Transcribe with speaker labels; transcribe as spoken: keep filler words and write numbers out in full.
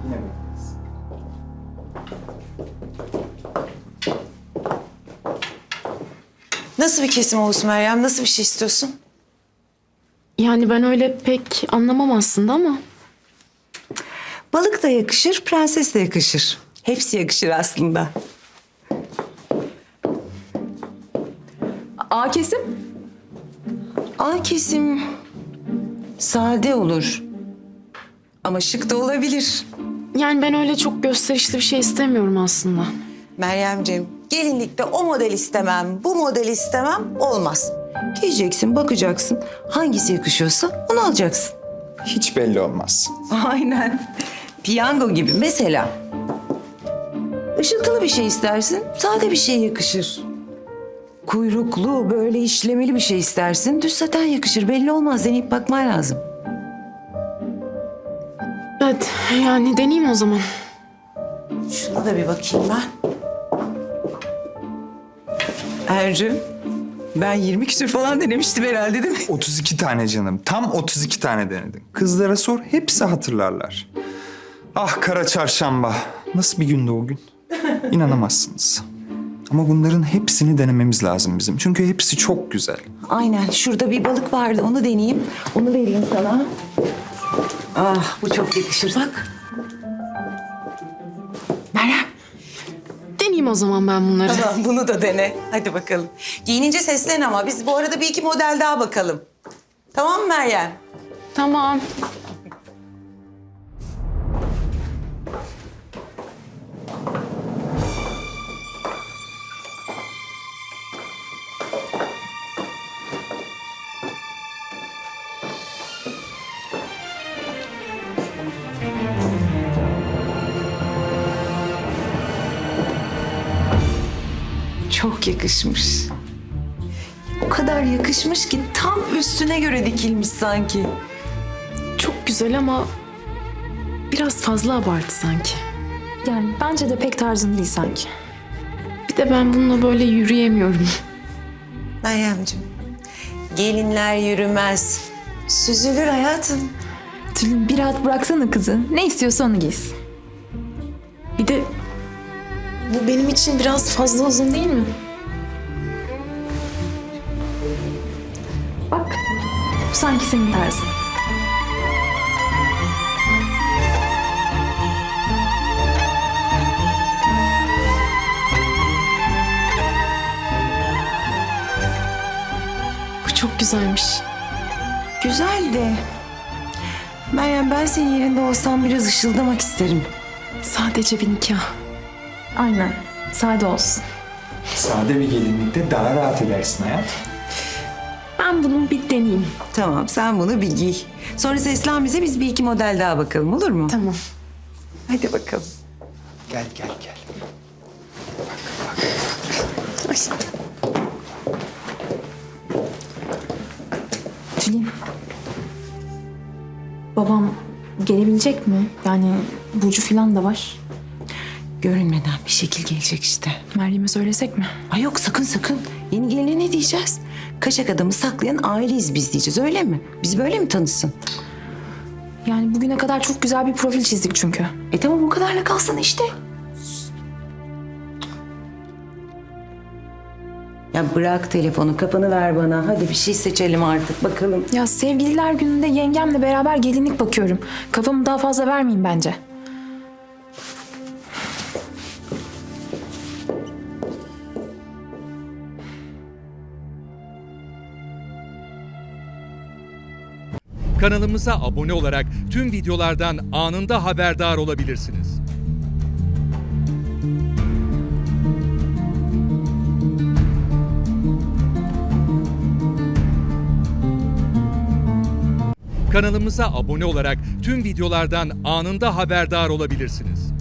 Speaker 1: Yine bekleriz.
Speaker 2: Nasıl bir kesim olsun Meryem? Nasıl bir şey istiyorsun?
Speaker 3: Yani ben öyle pek anlamam aslında ama...
Speaker 2: Balık da yakışır, prenses de yakışır. Hepsi yakışır aslında.
Speaker 4: A kesim?
Speaker 2: A kesim sade olur. Ama şık da olabilir.
Speaker 3: Yani ben öyle çok gösterişli bir şey istemiyorum aslında.
Speaker 2: Meryemciğim, gelinlikte o model istemem, bu model istemem olmaz. Giyeceksin, bakacaksın. Hangisi yakışıyorsa onu alacaksın.
Speaker 1: Hiç belli olmaz.
Speaker 2: Aynen. Piyango gibi mesela. Işıltılı bir şey istersin, sade bir şey yakışır. Kuyruklu, böyle işlemeli bir şey istersin, düz saten yakışır. Belli olmaz, deneyip bakman lazım.
Speaker 3: Evet, yani deneyeyim o zaman.
Speaker 2: Şuna da bir bakayım ben. Ercü, ben yirmi küsür falan denemiştim herhalde değil mi?
Speaker 1: otuz iki tane canım. Tam otuz iki tane denedim. Kızlara sor, hepsi hatırlarlar. Ah kara çarşamba. Nasıl bir gündü o gün? İnanamazsınız. Ama bunların hepsini denememiz lazım bizim. Çünkü hepsi çok güzel.
Speaker 2: Aynen, şurada bir balık vardı, onu deneyeyim. Onu vereyim sana. Ah, bu çok yakışır. Bak. Meryem.
Speaker 3: Deneyeyim o zaman ben bunları.
Speaker 2: Tamam, bunu da dene. Hadi bakalım. Giyinince seslen ama biz bu arada bir iki model daha bakalım. Tamam mı Meryem?
Speaker 3: Tamam.
Speaker 2: Çok yakışmış. O kadar yakışmış ki tam üstüne göre dikilmiş sanki.
Speaker 3: Çok güzel ama biraz fazla abartı sanki.
Speaker 4: Yani bence de pek tarzın değil sanki.
Speaker 3: Bir de ben bununla böyle yürüyemiyorum.
Speaker 2: Meryemciğim, gelinler yürümez. Süzülür hayatım.
Speaker 4: Tülin bir rahat bıraksana kızı. Ne istiyorsa onu giysin.
Speaker 3: Bir de bu benim için biraz fazla uzun değil mi?
Speaker 4: Bak bu sanki senin tarzın.
Speaker 3: Bu çok güzelmiş.
Speaker 2: Güzel de. Meryem, ben senin yerinde olsam biraz ışıldamak isterim.
Speaker 3: Sadece bir nikah.
Speaker 4: Aynen. Sade olsun.
Speaker 1: Sade bir gelinlikte daha rahat edersin hayat.
Speaker 3: Ben bunu bir deneyeyim.
Speaker 2: Tamam, sen bunu bir giy. Sonra seslen bize, biz bir iki model daha bakalım, olur mu?
Speaker 3: Tamam.
Speaker 2: Hadi bakalım.
Speaker 1: Gel gel gel.
Speaker 3: Ay.
Speaker 4: Tülin. Babam gelebilecek mi? Yani Burcu falan da var.
Speaker 2: Görünmeden bir şekil gelecek işte.
Speaker 4: Meryem'e söylesek mi?
Speaker 2: Ay yok, sakın sakın. Yeni geline ne diyeceğiz? Kaşak adamı saklayan aileyiz biz diyeceğiz, öyle mi? Biz böyle mi tanısın?
Speaker 4: Yani bugüne kadar çok güzel bir profil çizdik çünkü.
Speaker 2: E tamam, o kadarla kalsın işte. Ya bırak telefonu, kafanı ver bana. Hadi bir şey seçelim artık, bakalım.
Speaker 4: Ya sevgililer gününde yengemle beraber gelinlik bakıyorum. Kafamı daha fazla vermeyeyim bence.
Speaker 5: Kanalımıza abone olarak tüm videolardan anında haberdar olabilirsiniz. Kanalımıza abone olarak tüm videolardan anında haberdar olabilirsiniz.